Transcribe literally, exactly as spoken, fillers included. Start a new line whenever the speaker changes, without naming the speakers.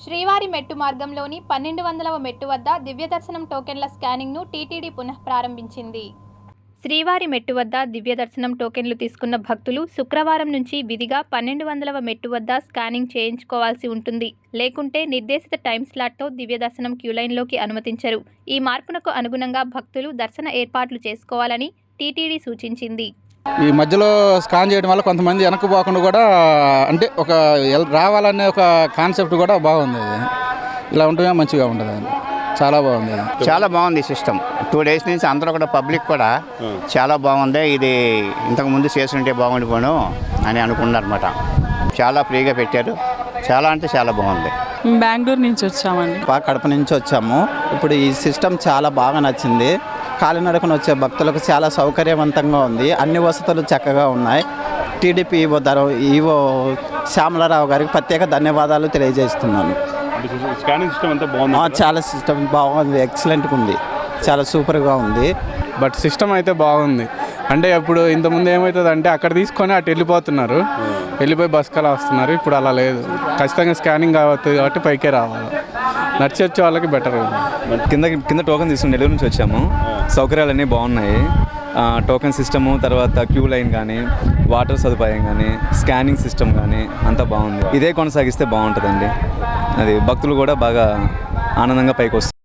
శ్రీవారి మెట్టు మార్గంలోని పన్నెండు వందలవ మెట్టు వద్ద దివ్యదర్శనం టోకెన్ల స్కానింగ్ను టీటీడీ పునః ప్రారంభించింది. శ్రీవారి మెట్టు వద్ద దివ్యదర్శనం టోకెన్లు తీసుకున్న భక్తులు శుక్రవారం నుంచి విధిగా పన్నెండు వందలవ మెట్టు వద్ద స్కానింగ్ చేయించుకోవాల్సి ఉంటుంది. లేకుంటే నిర్దేశిత టైం స్లాట్తో దివ్యదర్శనం క్యూలైన్లోకి అనుమతించరు. ఈ మార్పునకు అనుగుణంగా భక్తులు దర్శన ఏర్పాట్లు చేసుకోవాలని టీటీడీ సూచించింది.
ఈ మధ్యలో స్కాన్ చేయడం వల్ల కొంతమంది వెనక్కి పోకుండా కూడా అంటే ఒక రావాలనే ఒక కాన్సెప్ట్ కూడా బాగుంది. ఇలా ఉంటమే మంచిగా ఉంటుంది. చాలా బాగుంది.
చాలా బాగుంది సిస్టమ్. టూ డేస్ నుంచి అందరూ కూడా పబ్లిక్ కూడా చాలా బాగుంది. ఇది ఇంతకుముందు చేస్తుంటే బాగుండిపోను అని అనుకున్నారన్నమాట. చాలా ఫ్రీగా పెట్టారు. చాలా అంటే చాలా బాగుంది.
బెంగళూరు నుంచి వచ్చామండి.
కడప నుంచి వచ్చాము. ఇప్పుడు ఈ సిస్టమ్ చాలా బాగా నచ్చింది. కాలినడకన వచ్చే భక్తులకు చాలా సౌకర్యవంతంగా ఉంది. అన్ని వసతులు చక్కగా ఉన్నాయి. టీడీపీ ఈవో ధర ఈవో శ్యామలరావు గారికి ప్రత్యేక ధన్యవాదాలు తెలియజేస్తున్నాను. చాలా సిస్టమ్ బాగుంది. ఎక్సలెంట్గా ఉంది. చాలా సూపర్గా ఉంది.
బట్ సిస్టమ్ అయితే బాగుంది. అంటే ఇప్పుడు ఇంతకుముందు ఏమవుతుంది అంటే అక్కడ తీసుకొని అటు వెళ్ళిపోతున్నారు, వెళ్ళిపోయి బస్కలా వస్తున్నారు. ఇప్పుడు అలా లేదు. ఖచ్చితంగా స్కానింగ్ అవుతుంది కాబట్టి పైకే రావాలి. నడిచి వచ్చే వాళ్ళకి బెటర్.
కింద కింద టోకెన్ తీసుకుని నెల్లూరు నుంచి వచ్చాము. సౌకర్యాలన్నీ బాగున్నాయి. టోకెన్ సిస్టము, తర్వాత క్యూ లైన్ కానీ, వాటర్ సదుపాయం కానీ, స్కానింగ్ సిస్టమ్ కానీ అంతా బాగుంది. ఇదే కొనసాగిస్తే బాగుంటుందండి. అది భక్తులు కూడా బాగా ఆనందంగా పైకి వస్తారు.